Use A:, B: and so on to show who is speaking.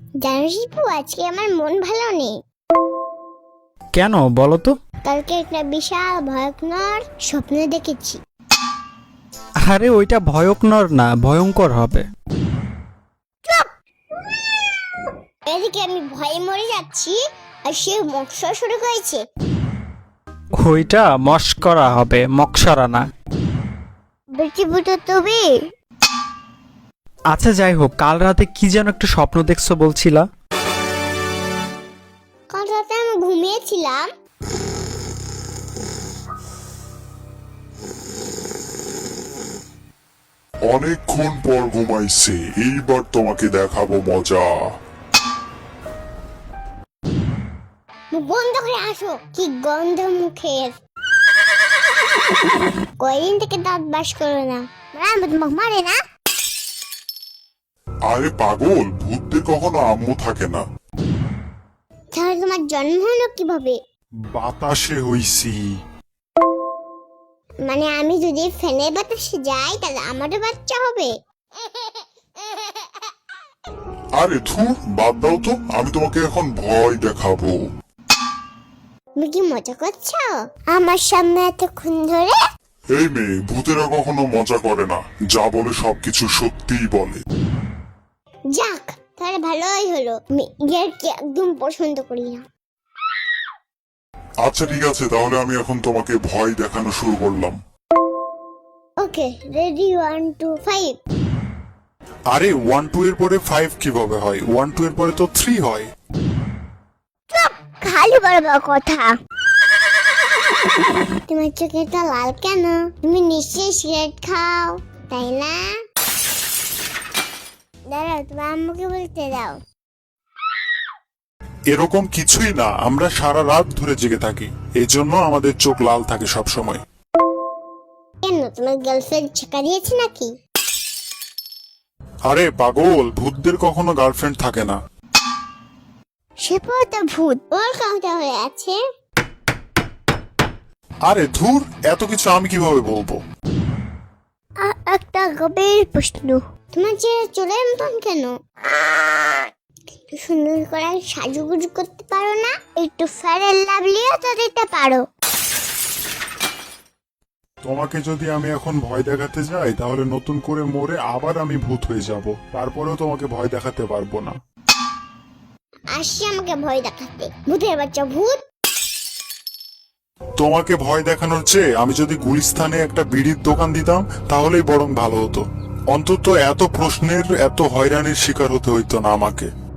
A: জানিস তো আজকে আমার মন ভালো নেই।
B: কেন বলো তো?
A: কালকে একটা বিশাল ভয়ঙ্কর স্বপ্ন দেখেছি।
B: আরে ওইটা ভয়ঙ্কর না, ভয়ঙ্কর হবে।
A: এদিকে আমি ভয়ে মরে যাচ্ছি আর সে মশা শুরু হয়েছে।
B: ওইটা মস্করা হবে, মকসরা না।
A: বেটি বুটো তবে
B: আচ্ছা যাই হোক, কাল রাতে কি যেন একটা স্বপ্ন দেখছো বলছিলা?
A: কাল রাতে আমি ঘুমিয়েছিলাম।
C: অনেকক্ষণ পর ঘুমাইছে, এইবার তোমাকে দেখাবো মজা।
A: মুখ বন্ধ করে আসো, কি গন্ধ মুখের। কয়দিন থেকে দাঁত ব্রাশ করো না, মারে না।
C: আরে পাগল, ভূতদের কখনো আম্মু থাকে না।
A: তাহলে তোমার জন্ম হলো কিভাবে?
C: বাতাসে হইছি।
A: মানে আমি যদি ফ্যানের বাতাসে যাই তাহলে আমারও বাচ্চা হবে?
C: আরে ধুর, বাদ দাও তো, আমি তোমাকে এখন ভয় দেখাবো।
A: তুমি কি মজা করছো আমার সামনে এতক্ষণ ধরে?
C: এই মেয়ে, ভূতেরা কখনো মজা করে না, যা বলে সবকিছু সত্যিই বলে।
A: যাক, তাহলে ভালোই হলো। আমি ইয়ারকে একদম পছন্দ করি না।
C: আচ্ছা ঠিক আছে, তাহলে আমি এখন তোমাকে ভয় দেখানো শুরু করলাম।
A: Okay, ready 1 2 5।
C: আরে 1 2 এর পরে 5 কিভাবে হয়? 1 2 এর পরে তো 3 হয়।
A: খালি বড় বড় কথা। তোমার চোখেটা লাল কেন? তুমি নিশ্চয়ই সিগারেট খাও, তাই না? দাঁড়াও, তোমার আম্মুকে বলতে দাও।
C: এরকম কিছুই না, আমরা সারা রাত ধরে জেগে থাকি, এই জন্য আমাদের চোখ লাল থাকে সব সময়।
A: কেন, তোমার গার্লফ্রেন্ড ছেকা দিয়েছে নাকি?
C: আরে পাগল, ভূতদের কখনো গার্লফ্রেন্ড থাকে না।
A: সে তো ভূত, ওর কাউটা হয়ে আছে।
C: আরে ধুর, এত কিছু আমি কিভাবে বলবো?
A: একটা গভীর প্রশ্ন, তোমার যে চুলের মতন কেন? একটু সুন্দর করে সাজুগুজু করতে পারো না? একটু ফেয়ার এন্ড লাভলিও তো দিতে পারো।
C: তোমাকে যদি আমি এখন ভয় দেখাতে যাই তাহলে নতুন করে মরে আবার আমি ভূত হয়ে যাব, তারপরেও তোমাকে ভয় দেখাতে পারবো না।
A: আসি আমাকে ভয় দেখাতে, ভূতের বাচ্চা ভূত।
C: তোমাকে ভয় দেখানোর চেয়ে আমি যদি গুলিস্তানে একটা বিড়ির দোকান দিতাম তাহলেই বরং ভালো হতো। অন্তত এত প্রশ্নের, এত হয়রানির শিকার হতে হইতো না আমাকে।